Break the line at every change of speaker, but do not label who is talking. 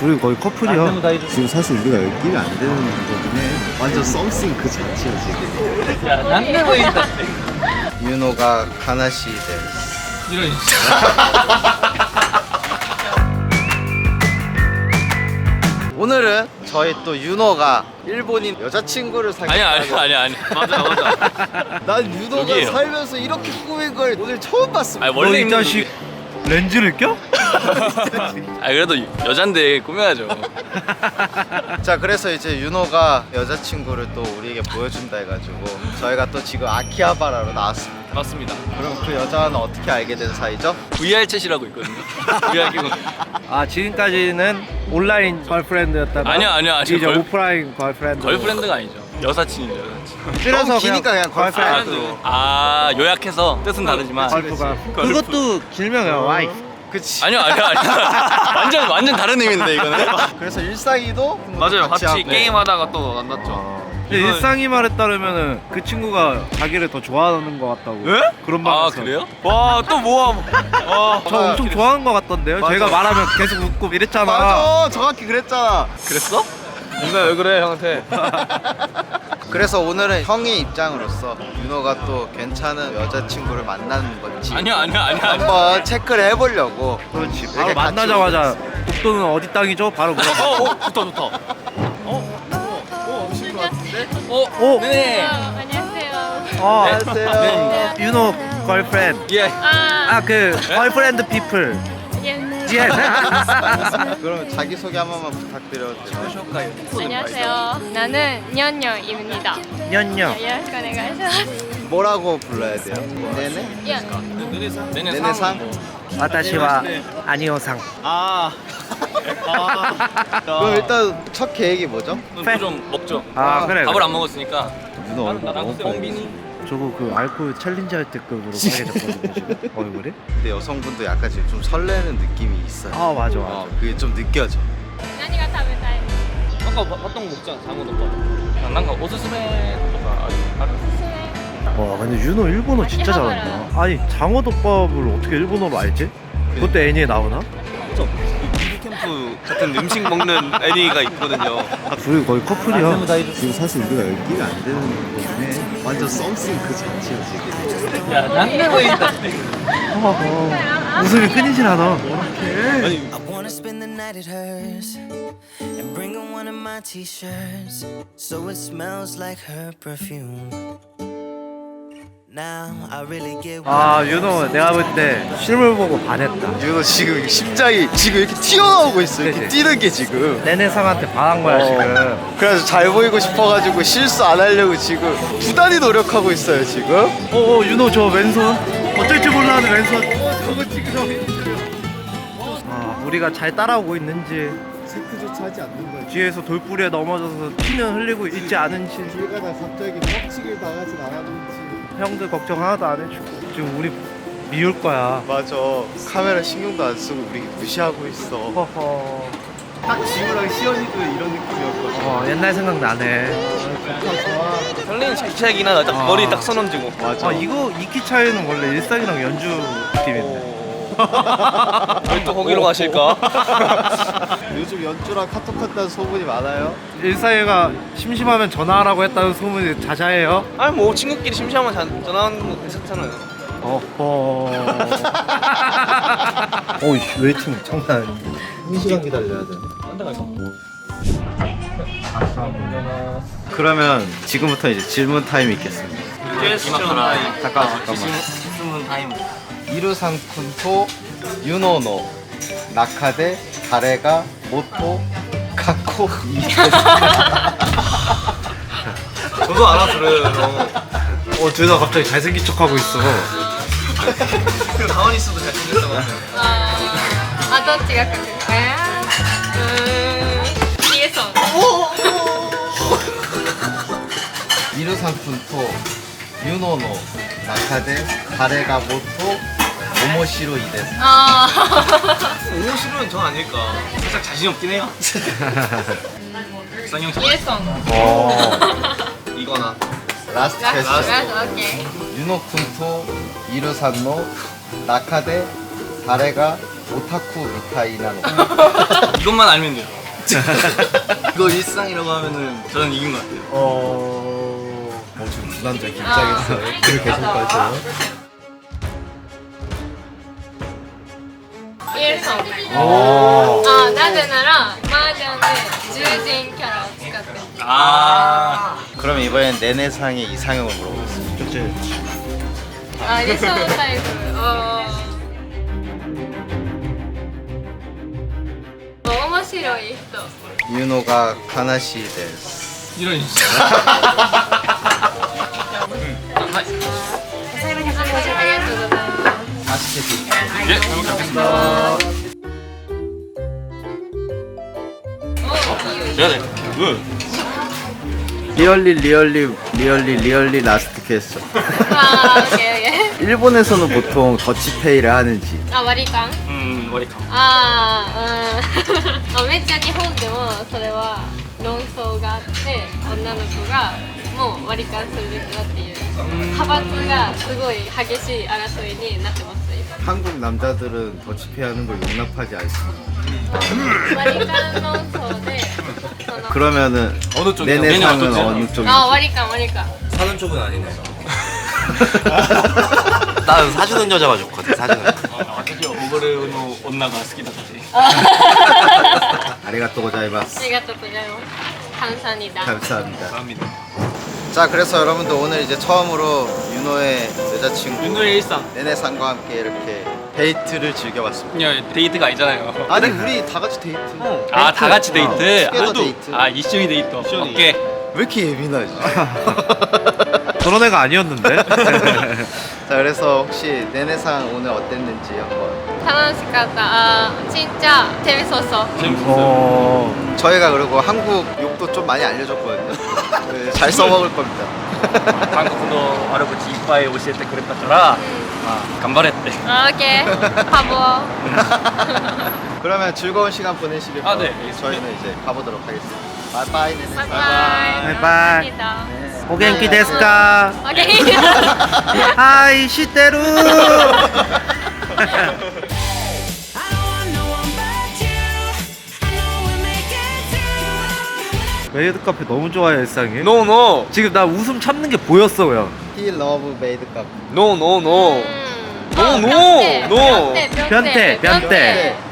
둘이 거의 커플이야.
지금 사실 우리가 여기 끼면 안 되는 거긴 해. 완전 썸씽 그 자체야 지금.
야, 난내 보인다.
윤호가 가나시 데스.
이런.
오늘은 저희 또 윤호가 일본인 여자친구를 사귀었다고.
아니. 맞아.
난 윤호가
여기에요.
살면서 이렇게 꾸민 걸 오늘 처음 봤습니다.
아니, 원래
이
있는
자식 렌즈를 껴?
아 그래도 여잔데 꾸며야죠.
자, 그래서 이제 윤호가 여자친구를 또 우리에게 보여준다 해가지고 저희가 또 지금 아키하바라로 나왔습니다.
맞습니다.
그럼 그 여자는 어떻게 알게 된 사이죠?
VR 챗이라고 있거든요. VR 기본.
아 지금까지는 온라인 걸프렌드였다가
아니야.
이제
걸-
오프라인 걸프렌드.
걸프렌드가 아니죠. 여사친이죠. 여사친.
줄여서
너무 기니까 그냥 걸프렌드.
아 요약해서 뜻은 다르지만.
걸프가.
걸프.
그것도 길명이야 와이프.
그치.
아니야. 완전 다른 의미인데 이거는.
그래서 일상이도
맞아요. 같이
하고.
게임하다가 또 만났죠.
근데 일상이 말에 따르면은 그 친구가 자기를 더 좋아하는 것 같다고.
예?
그런 말.
아 그래요?
와, 또 모아. 와.
저 엄청 좋아하는 것 같던데요.
맞아.
제가 말하면 계속 웃고 이랬잖아.
맞아, 정확히 그랬잖아.
그랬어?
누나 왜 그래 형한테?
그래서 오늘은 형의 입장으로서 윤호가 또 괜찮은 여자친구를 만나는 건지
아니야.
한번 체크를 해보려고.
그렇지.
이렇게
바로
같이
만나자마자 독도는 어디 땅이죠? 바로 물어봐.
좋다.
오.
네.
안녕하세요.
안녕하세요.
윤호 걸프렌드.
예.
그 걸프렌드 피플.
예.
예.
그럼 자기소개 한 번만 부탁드려도 되나요?
안녕하세요. 나는 녀녀입니다.
년녀.
요렇게 오네가이시마스.
뭐라고 불러야 돼요? 네네?
예.
네네상?
와타시와 아니오상.
그럼 일단 첫 계획이 뭐죠?
좀 먹죠.
아, 그래.
밥을 안 먹었으니까.
윤호 얼굴 너무
뻥비니.
저거 그 알코올 챌린지 할 때급으로 빨개졌거든요 지금 얼굴이.
근데 여성분도 약간 지금 좀 설레는 느낌이 있어요.
아 맞아.
그게 좀 느껴져.
何が食べたい?
아까 봤던 거 먹잖아. 장어덮밥.
난가 오스스메とか
와 근데 윤호 일본어 진짜 잘한다. 아니 장어덮밥을 어떻게 일본어로 알지? 그것도 애니에 나오나?
캠프 같은 음식 먹는 애니가 있거든요.
둘이 거의 커플이야.
지금 사실 우리가 여기 끼면 안 되는 거긴 해. 완전 썸씽 그 자체야 지금.
야, 난내 보인다.
웃음이 끊이질 않아.
I wanna spend the night at hers and bring her one of my t-shirts so it smells like her perfume. Now I really get
아 윤호 내가 볼 때 실물 보고 반했다.
윤호 지금 심장이 지금 이렇게 튀어나오고 있어. 이렇게
그치?
뛰는 게 지금.
내내상한테 반한 거야 지금.
그래서 잘 보이고 싶어가지고 실수 안 하려고 지금 부단히 노력하고 있어요 지금.
윤호 저 왼손 어쩔 줄 몰라 하는 왼손. 저거 찍으러. 아 우리가 잘 따라오고 있는지
체크조차 하지 않는 거야.
뒤에서 돌부리에 넘어져서 피는 흘리고 있지 않은지
얘가 나 갑자기 뻑치기를 당하진 않았는지.
형들 걱정 하나도 안 해주고 지금 우리 미울 거야.
맞아. 카메라 신경도 안 쓰고 우리 무시하고 있어.
허허.
딱 지우랑 시연이도 이런 느낌이었거든.
옛날 생각 나네.
설레는 기차이긴 하다. 딱 머리 딱 선언지고.
맞아.
이거 이키 차이는 원래 일상이랑 연주 느낌인데.
왜 또 거기로 가실까?
요즘 연주랑 카톡한다는 소문이 많아요.
일상이가 심심하면 전화하라고 했다는 소문이 자자해요.
아니 뭐 친구끼리 심심하면 전화하는 거 괜찮잖아요.
어허. 오이 웨이팅 장난 아닌데.
1시간 기다려야 돼.
한대가 있어.
그러면 지금부터 이제 질문 타임이 있겠습니다.
이마카라.
잠깐만.
스문 타임.
이루상쿤토 유노노 나카데 다레가 모토 가코 이데스.
저도 알아들어요.
둘 다 갑자기 잘생긴 척하고 있어.
가만히 있어도 잘생겼다고.
あ、どっちが書くか。イエソン。
이루상쿤토 유노노 나카데 다레가 모토 오모시로 이데스.
あ
오모 싫으면 전 아닐까. 살짝 자신 없긴 해요. 쌍용
ー、イエソン。
이거나.
라스트
ラスト、
퀘스천.
オッケー。
유노쿤토 이루산노 나카데 다레가 오타쿠 미타이나
이것만 알면 돼요. 이거 일상이라고 하면은 저는 이긴 것 같아요.
지금 두 남자 긴장했어요. 그걸 계속 가세요.
イエルソン
오.
なぜなら麻雀で獣人キャラを使ってる
아.
그럼 이번엔 내내상의 이상형을 물어보겠습니다.
그치.
理想タイプ面白い人
윤호가 카나시 데스.
이런.
ありがとうございます
예, 잘 먹겠습니다. 제가 돼.
리얼리 라스트 퀘스천.
オッケーオッケ
일본에서는 보통 더치페이를 하는지.
ー割り勘
머리카.
めっちゃ日本でもそれは論争があって女の子がもう割り勘するべきだっていう派閥がすごい激しい争いになってます今
한국 남자들은 더치페이 하는 걸 용납하지 않습니다.
割り勘論争でその
그러면은
어느 쪽이요?
내내상은
내내
어느 쪽인지.
割り勘割り勘
사는 쪽은 아니네. 나 사주는 여자가 좋거든. 사주는.
私は溺れの女が好きだって。
아리가또
あ
고자이마스.
りがとうございます感謝にだ
감사합니다.
감사합니다.
자, 그래서 여러분들 오늘 이제 처음으로 윤호의 여자친구
윤호의 일상.
내내상과 함께 이렇게 데이트를 즐겨봤습니다.
그냥 데이트가 아니잖아요.
아니 우리 다 같이 데이트.
아, 다 같이 데이트.
투게더 데이트.
아, 이슈이 데이트. 오케이.
왜 이렇게 예민하지?
그런 애가 아니었는데.
자, 그래서 혹시 내내상 오늘 어땠는지 한번.
楽しかった진짜 재밌었어
재밌었어요.
저희가 그리고 한국 욕도 좀 많이 알려줬거든요. 네, 잘 써먹을 겁니다.
한국어 알아보지 이빠이 오시에테 그랬다더라. 간발했대.
オッケーハボ
그러면 즐거운 시간 보내시길
아, 네,
바라고
알겠습니다.
저희는 이제 가보도록 하겠습니다. 바이바이 내내상.
バイバイ
바이바이. 오겐키 데스까?
オッケー
하이 시테루.
I don't want no one but you. I know we'll make it through.
메이드 카페 너무 좋아해 일상이.
No no.
지금 나 웃음 참는 게 보였어 그냥.
He love made cup.
No no no.
うん
No, no, no.
변태
변태, 변태.